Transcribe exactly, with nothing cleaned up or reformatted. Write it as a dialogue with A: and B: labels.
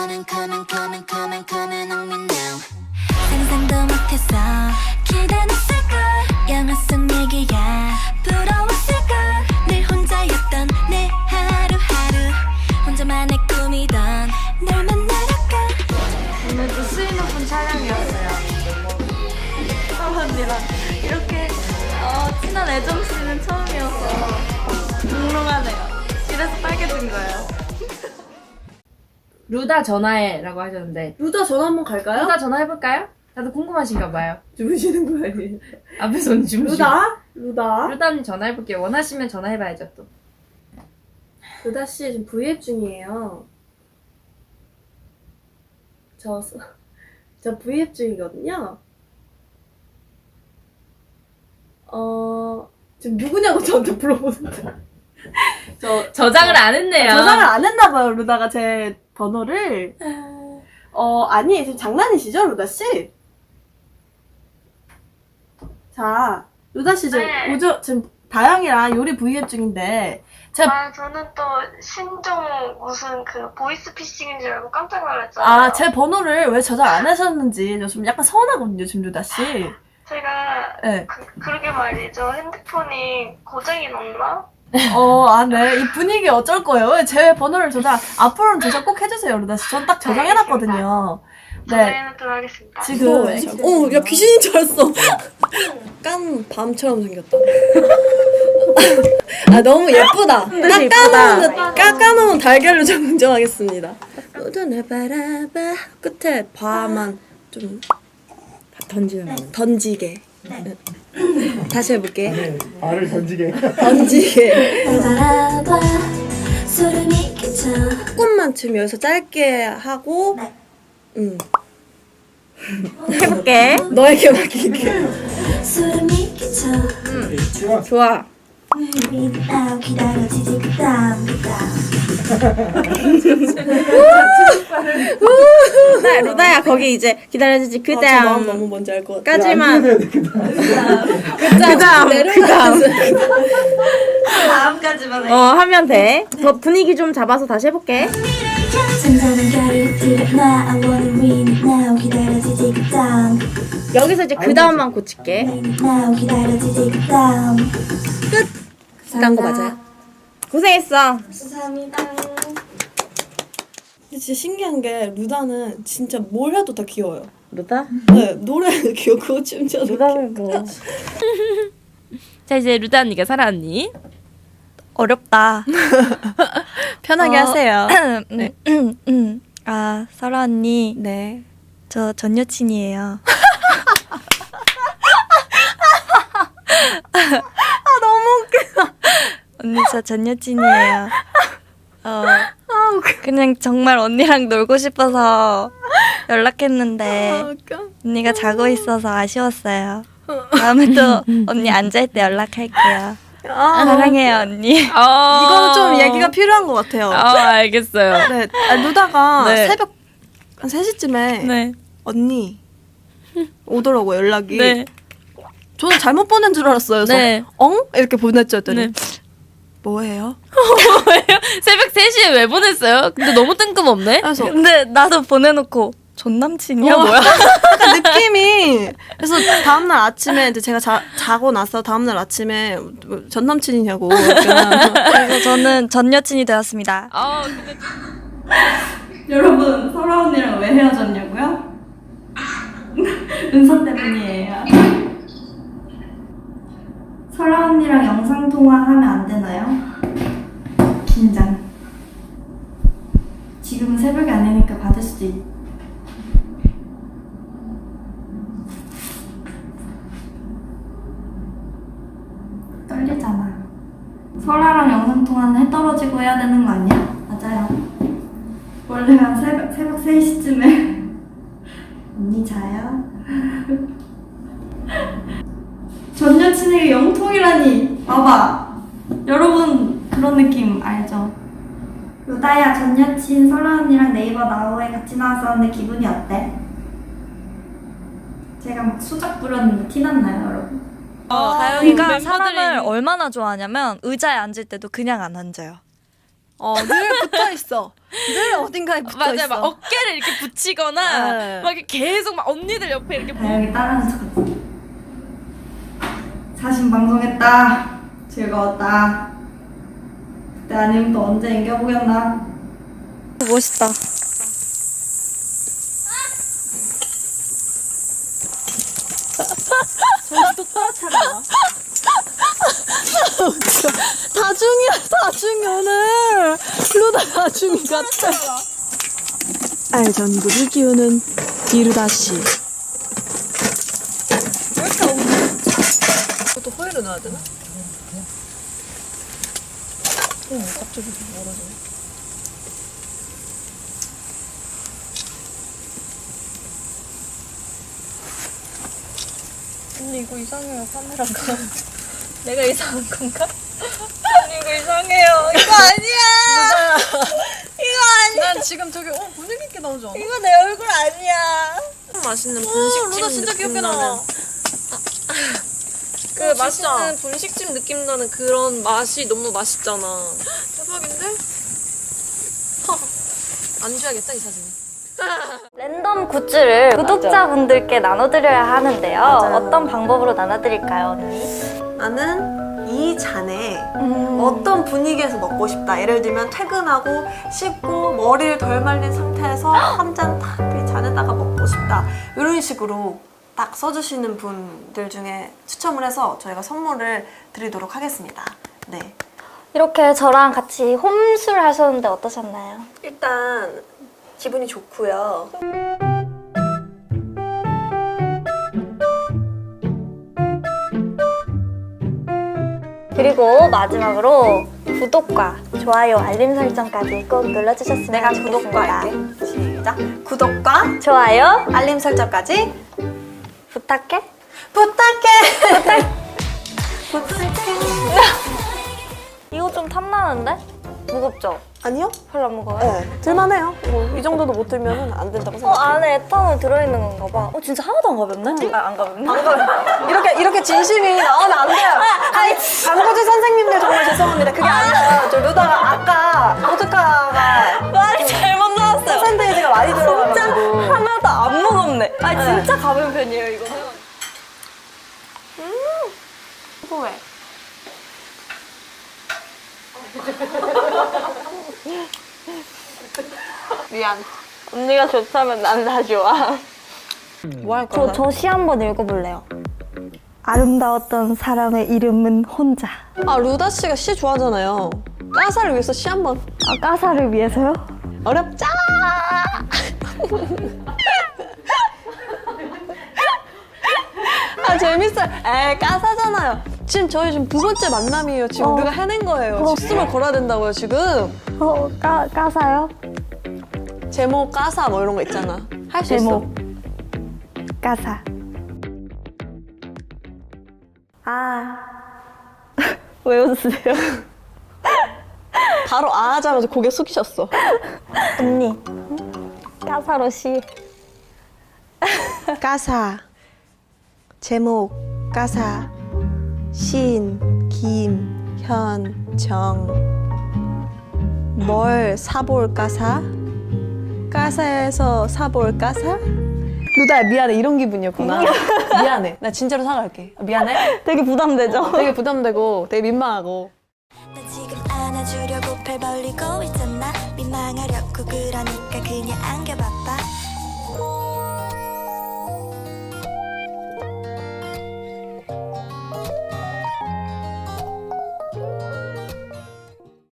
A: coming coming coming coming coming on me now 상상도 못했어 기대했을걸 영화 속 얘기야 부러웠을걸 늘 혼자였던 내 하루하루 혼자만의 꿈이던 널 만나러가
B: 오늘도 수인 오픈 촬영이었어요. 서로 언니랑 이렇게 어, 친한 애정 씨는 처음이어서 몽롱하네요. 이래서 빨개진 거예요.
C: 루다 전화해라고 하셨는데
D: 루다 전화 한번 갈까요?
C: 루다 전화해볼까요? 다들 궁금하신가 봐요.
D: 주무시는 거 아니에요?
C: 앞에서 언니 주무시고
D: 루다? 루다?
C: 루다 언니 전화해볼게요. 원하시면 전화해봐야죠 또.
D: 루다 씨 지금 브이앱 중이에요. 저, 저 브이앱 중이거든요. 어, 지금 누구냐고 저한테 물어보는데. 저,
C: 저장을 안 했네요.
D: 저장을 안 했나봐요, 루다가 제 번호를. 어, 아니, 지금 장난이시죠, 루다 씨? 자, 루다 씨 지금
B: 네.
D: 오저, 지금 다영이랑 요리 브이앱 중인데, 제가
B: 아, 저는 또 신종 무슨 그 보이스피싱인 줄 알고 깜짝 놀랐잖아요.
D: 아, 제 번호를 왜 저장 안 하셨는지 저 좀 약간 서운하거든요, 지금 루다 씨.
B: 제가
D: 네.
B: 그, 그러게 말이죠. 핸드폰이 고장이 났나?
D: 어, 아, 네. 이 분위기 어쩔 거예요? 왜 제 번호를 저장, 앞으로는 저장 꼭 해주세요, 루다 씨. 전 딱 저장해놨거든요. 네.
B: 저장해놓도록 하겠습니다.
D: 지금.
E: 어, 야, 귀신인 줄 알았어. 깐 밤처럼 생겼다. 아, 너무 예쁘다. 깎아놓은, 깎아놓은 달걀로 정정하겠습니다. 너도 바라봐. 끝에 바만 좀 던지는 거. 던지게. 네. 다시 해볼게.
F: 네, 알을 던지게.
E: 던지게.
A: 바라봐 소름이 끼쳐
E: 조금만 지금 여기서 짧게 하고,
A: 네.
E: 응.
B: 해볼게.
E: 너에게 맡길게.
A: 소름이 끼쳐
F: 좋아.
E: 좋아.
A: now 기다려지지 그 다음 그 다음
E: 루다, 루다야, 거기 이제 기다려주지. 그 다음. 마음 너무 뭔지 알 것 같아. 까지만. 그 다음. 그 다음.
B: 다음까지만 해.
E: 어, 하면 돼. 더 분위기 좀 잡아서 다시 해볼게.
A: 잔잔한 가를 들여놔 I wanna win it now 기다려지지 그 다음
E: 여기서 이제 그 다음만 고칠게.
A: now 기다려지지 그 다음
E: 끝. 딴 거 맞아요? 고생했어.
B: 감사합니다.
E: 근데 진짜 신기한 게 루다는 진짜 뭘 해도 다 귀여워요.
C: 루다?
E: 네, 노래도 귀엽고 춤춰도
C: 루다는 뭐. 자 이제 루다 언니가 사라 언니.
G: 어렵다.
E: 편하게
G: 어,
E: 하세요.
G: 네. 음, 음. 아, 설아 언니.
E: 네.
G: 저 전 여친이에요.
E: 아, 너무 웃겨.
G: 언니 저 전 여친이에요. 어, 그냥 정말 언니랑 놀고 싶어서 연락했는데
E: 웃겨.
G: 언니가 자고 있어서 아쉬웠어요. 다음에 또 언니 앉을 때 연락할게요.
E: 아,
G: 사랑해요 언니.
C: 어.
E: 이거는 좀 얘기가 필요한 것 같아요.
C: 아 알겠어요.
E: 네, 아, 루다가
C: 네.
E: 새벽 한 세 시쯤에
G: 네.
E: 언니 오더라고 연락이.
G: 네.
E: 저는 잘못 보낸 줄 알았어요. 그래서
G: 네.
E: 엉? 이렇게 보냈죠. 했더니
G: 네.
E: 뭐예요?
C: 뭐예요? 새벽 세 시에 왜 보냈어요? 근데 너무 뜬금없네.
E: 그래서
G: 근데 나도 보내놓고 전 남친이야
E: 어.
G: 뭐야?
E: 약간 느낌이 그래서 다음날 아침에 이제 제가 자, 자고 나서 다음날 아침에 전 남친이냐고 약간
G: 그래서 저는 전 여친이 되었습니다.
C: 아 근데
B: 여러분, 설아 언니랑 왜 헤어졌냐고요? 은서 때문이에요. 설아 언니랑 영상 통화하면 안 되나요? 긴장. 지금은 새벽이 아니니까 받을 수도 있. 떨리잖아. 설아랑 영상 통화는 해 떨어지고 해야 되는 거 아니야? 맞아요. 원래 한 새벽, 새벽 세 시쯤에 언니 자요? 전 여친에게 영통이라니 봐봐 여러분 그런 느낌 알죠? 루다야 전 여친 설아 언니랑 네이버 나우에 같이 나왔었는데 기분이 어때? 제가 막 수작 부렸는데 티났나요 여러분?
G: 다영이가
C: 멤버들이
G: 사람을
C: 있는-
G: 얼마나 좋아하냐면 의자에 앉을 때도 그냥 안 앉아요.
D: 어, 늘 붙어 있어. 늘 어딘가에 붙어
C: 맞아요.
D: 있어.
C: 막 어깨를 이렇게 붙이거나
D: 네.
C: 막 이렇게 계속 막 언니들 옆에 이렇게
B: 다영이 따라하는 척하지. 사신 방송했다. 즐거웠다. 그때 아니면 또 언제 이겨보겠나.
G: 멋있다.
D: 다중이야, 다중이 오늘. 루다 다중이 같아. 알전구를 기우는 이루다 씨. 왜 이렇게 오늘? 이것도 호일을 넣어야 되나? 응, 갑자기 멀어져. 언니 이거 이상해요, 카메라가. 내가 이상한 건가? 언니 이거 이상해요. 이거 아니야. 이거 아니야. 난 지금 저기 어 분위기 있게 나오지 않아?
G: 이거 내 얼굴 아니야.
C: 맛있는
D: 오,
C: 분식집
D: 루다 진짜 귀엽게
C: 느낌
D: 나와.
C: 나는 그 맛있는 분식집 느낌 나는 그런 맛이 너무 맛있잖아.
D: 대박인데? 안 줘야겠다 이 사진.
G: 랜덤 굿즈를 구독자분들께 나눠드려야 하는데요.
E: 맞아요.
G: 어떤 방법으로 나눠드릴까요, 언니?
E: 나는 이 잔에
G: 음.
E: 어떤 분위기에서 먹고 싶다. 예를 들면 퇴근하고 씻고 머리를 덜 말린 상태에서 한 잔 딱 이 잔에다가 먹고 싶다. 이런 식으로 딱 써주시는 분들 중에 추첨을 해서 저희가 선물을 드리도록 하겠습니다. 네.
G: 이렇게 저랑 같이 홈술 하셨는데 어떠셨나요?
E: 일단 기분이 좋고요.
G: 그리고 마지막으로 구독과 좋아요, 알림 설정까지 꼭 눌러주셨으면
E: 내가
G: 좋겠습니다.
E: 구독과 할게. 시작. 구독과
G: 좋아요
E: 알림 설정까지
G: 부탁해.
E: 부탁해. 부탁해.
G: 이거 좀 탐나는데? 무겁죠?
E: 아니요?
G: 별로 안 무거워요?
E: 네, 들만해요. 뭐 이 정도도 못 들면 안 된다고
G: 어,
E: 생각해요.
G: 안에 에탄올 들어있는 건가 봐. 어, 진짜 하나도 안 가볍네? 아, 안 가볍네?
E: 이렇게 이렇게 진심이 나오면 안 돼요. 아니, 광고주 선생님들 정말 죄송합니다. 그게 아니라 저 루다가 아까 보드카가
G: 말이 잘못 나왔어요.
E: 퍼센테이지가 많이
G: 진짜
E: 들어가가지고
G: 하나도 안 무겁네. 아, 진짜 가벼운 편이에요, 이거는.
E: 후회. 미안.
G: 언니가 좋다면 난 다 좋아.
E: 뭐 할
G: 저,
E: 거야?
G: 저 시 한번 읽어볼래요. 아름다웠던 사람의 이름은 혼자.
E: 아 루다 씨가 시 좋아하잖아요. 까사를 위해서 시 한 번.
G: 아, 까사를 위해서요?
E: 어렵잖아. 아 재밌어요. 에 까사잖아요. 지금 저희 지금 두 번째 만남이에요. 지금
G: 어.
E: 우리가 해낸 거예요.
G: 어.
E: 집숨을 걸어야 된다고요 지금.
G: 어, 까, 까사요?
E: 제목 까사 뭐 이런 거 있잖아. 할 수 있어.
G: 제목. 까사. 아. 왜 웃으세요?
E: 바로 아 하자마자 고개 숙이셨어.
G: 언니. 까사로 시.
E: 까사. 제목 까사. 신, 김, 현, 정. 뭘 사볼 까사? 까사에서 사볼 까사? 루다야 미안해 이런 기분이었구나. 미안해. 나 진짜로 사과할게. 미안해.
G: 되게 부담되죠?
E: 되게 부담되고 되게 민망하고.
A: 나 지금 안아주려고 팔 벌리고 있잖아 민망하려고 그러니까 그냥 안겨봐봐